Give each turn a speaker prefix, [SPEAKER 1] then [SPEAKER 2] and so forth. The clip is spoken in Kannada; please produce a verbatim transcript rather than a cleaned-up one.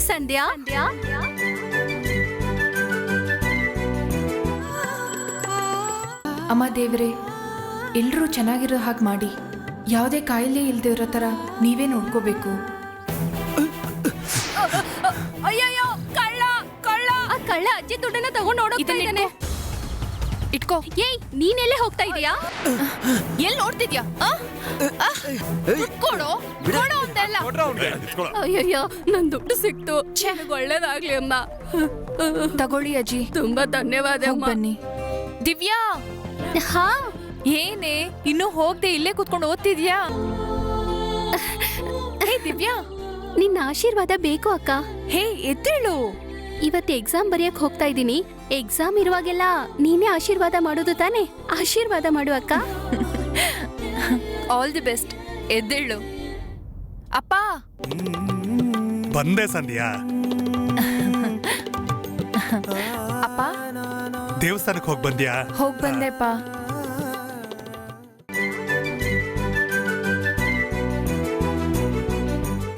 [SPEAKER 1] ಸಂಧ್ಯಾ
[SPEAKER 2] ಅಮ್ಮ ದೇವ್ರೆ, ಎಲ್ಲರೂ ಚೆನ್ನಾಗಿರೋ ಹಾಗೆ ಮಾಡಿ. ಯಾವುದೇ ಕಾಯಿಲೆ ಇಲ್ದೇ ಇರೋ ಥರ ನೀವೇ ನೋಡ್ಕೋಬೇಕು.
[SPEAKER 1] ಅಯ್ಯಯ್ಯೋ, ಕಳ್ಳ ಕಳ್ಳ ಆ ಕಳ್ಳ ಅಜ್ಜಿ ದುಡ್ಡನ್ನ ತಗೊಂಡು ಓಡೋಗ್ತಾ ಇದ್ದಾನೆ.
[SPEAKER 2] ಇಟ್ಕೋ.
[SPEAKER 1] ಏಯ್, ನೀನೆಲ್ಲೇ ಹೋಗ್ತಾ ಇದೀಯಾ?
[SPEAKER 2] ಎಲ್ಲಿ ನೋಡ್ತಿದ್ಯಾ? ಕೊಡೋ ಕೊಡೋ ಅಂತೆಲ್ಲ.
[SPEAKER 1] ಅಯ್ಯಯ್ಯೋ, ನನ್ ದುಡ್ಡು ಸಿಕ್ತು. ನನಗೆ ಒಳ್ಳೇದಾಗ್ಲಿ ಅಮ್ಮ.
[SPEAKER 2] ತಗೊಳ್ಳಿ ಅಜ್ಜಿ.
[SPEAKER 1] ತುಂಬಾ ಧನ್ಯವಾದ
[SPEAKER 2] ಹೋಗ್ ಬನ್ನಿ. ದಿವ್ಯಾ,
[SPEAKER 1] ಹಾ
[SPEAKER 2] ಏನೇ ಇನ್ನೂ ಹೋಗದೆ ಇಲ್ಲೇ ಕೂತ್ಕೊಂಡು ಓದ್ತಿದ್ಯಾ? ಹೇ ದಿವ್ಯಾ,
[SPEAKER 1] ನಿನ್ನ ಆಶೀರ್ವಾದ ಬೇಕು ಅಕ್ಕ.
[SPEAKER 2] ಹೇ ಎದ್ದೇಳು.
[SPEAKER 1] ಇವತ್ತು ಎಕ್ಸಾಮ್ ಬರೆಯಕ್ ಹೋಗ್ತಾ ಇದ್ದೀನಿ. ಎಕ್ಸಾಮ್ ಇರುವಾಗೆಲ್ಲ ನೀನೇ ಆಶೀರ್ವಾದ ಮಾಡೋದು ತಾನೆ? ಆಶೀರ್ವಾದ ಮಾಡು ಅಕ್ಕ.
[SPEAKER 2] All the best. ಎದ್ದೇಳು. ಅಪ್ಪ
[SPEAKER 3] ಬಂದೆ ಸಂಧ್ಯಾ.
[SPEAKER 2] ಅಪ್ಪ
[SPEAKER 3] ದೇವಸ್ಥಾನಕ್ಕೆ ಹೋಗಿ ಬಂದ್ಯಾ?
[SPEAKER 2] ಹೋಗ್ ಬಂದೆಪ್ಪ.